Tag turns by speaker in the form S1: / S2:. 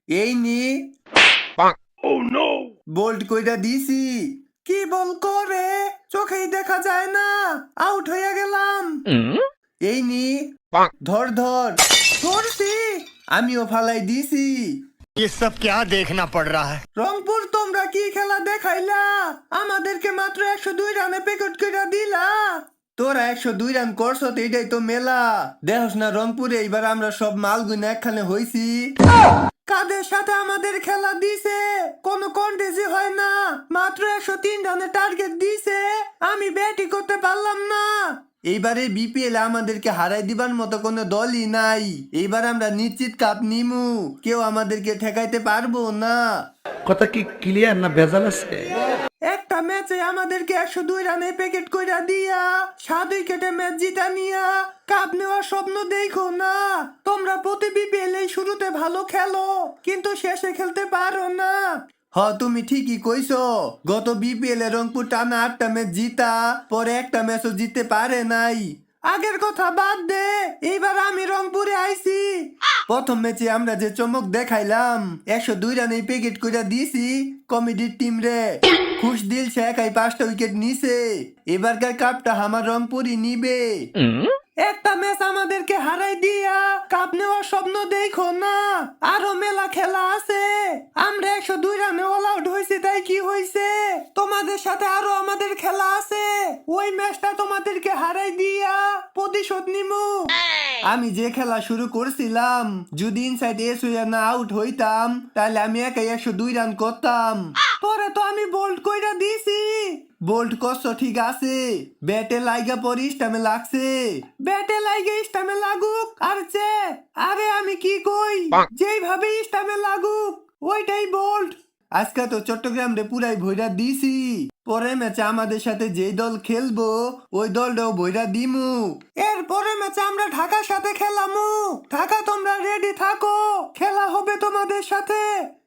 S1: এই নি বোল্ড কইরা দিছি। কি বল করে চোখেই দেখা যায় না, আউট হয়ে গেলাম। এই নি ধর ধর, ধরছি, আমিও ফালাই দিছি।
S2: ये सब क्या देखना पड़ रहा है।
S1: রংপুর তোমরা কি খেলা দেখাইলা? আমাদেরকে মাত্র 102 রানে পেকট কইরা দিলা। তোরা 102 রান করছ তো এটাই তো মেলা। দেখস না রংপুরে এইবার আমরা সব মালগুনা একখানে হইছি। কাদের সাথে আমাদের খেলা দিছে কোনো কন্টেস্টই হয় না। মাত্র 103 রানে টার্গেট দিছে, আমি ব্যাটই করতে পারলাম না। এইবারে বিপিএল আমাদেরকে হারাই দিবার মতো কোনো দলই নাই। এইবার আমরা নিশ্চিত কাপ নিমু, কেউ আমাদেরকে ঠেকাইতে পারবো না।
S3: কথা কি ক্লিয়ার না ভেজাল আছে?
S1: একটা ম্যাচে আমাদেরকে 102 রানে প্যাকেট কইরা দিয়া 7 উইকেটে ম্যাচ জিতা নিয়া কাপ নেওয়ার স্বপ্ন দেখো না। তোমরা প্রতি বিপিএল এই শুরুতে ভালো খেলো কিন্তু শেষে খেলতে পারো না। তুমি ঠিকই কইছো। গত বিপিএল এ রংপুর টানা 8টা ম্যাচ জিতা, পরে একটা ম্যাচও জিততে পারে নাই। আগের কথা বাদ দে, এইবার আমি রংপুরে আইছি। প্রথম ম্যাচে আমরা যে চমক দেখাইলাম, 102 রানে প্যাকেট কইরা দিছি কমেডির টিম রে। খুশ দিল সে একাই 5টা উইকেট নিছে। এবারকার কাপটা আমার রংপুরই নিবে। একটা ম্যাচ আমাদেরকে হারাই দিয়া কাপ নেওয়ার স্বপ্ন দেখো না, আরো মেলা খেলা আছে। আমরা 102 রানে অল আউট হয়েছি, তাই কি হয়েছে? তোমাদের সাথে আরো আমাদের খেলা আছে, ওই ম্যাচটা তোমাদেরকে হারাই দিয়া প্রতিশোধ নিমু। আমি যে খেলা শুরু করছিলাম, যদি ইনসাইড এস হইয়া না আউট হইতাম তাহলে আমি একাই 102 রান করতাম। পরে তো আমি বোল্ড কইরা দিছি। বোল্ড করছ ঠিক আছে, ব্যাটে লাইগা পরে স্টামে লাগছে। ব্যাটে লাইগা স্টামে লাগুক আর চে, আরে আমি কি কই, যেইভাবে স্টামে লাগুক ওইটাই বোল্ড। আজকে তো চট্টগ্রাম রে পুরাই ভইরা দিছি। পরের ম্যাচে আমাদের সাথে যেই দল খেলবো ওই দলটাও ভইরা দিমু। এর পরের ম্যাচে আমরা ঢাকার সাথে খেলামু। ঢাকা তোমরা রেডি থাকো, খেলা হবে তোমাদের সাথে।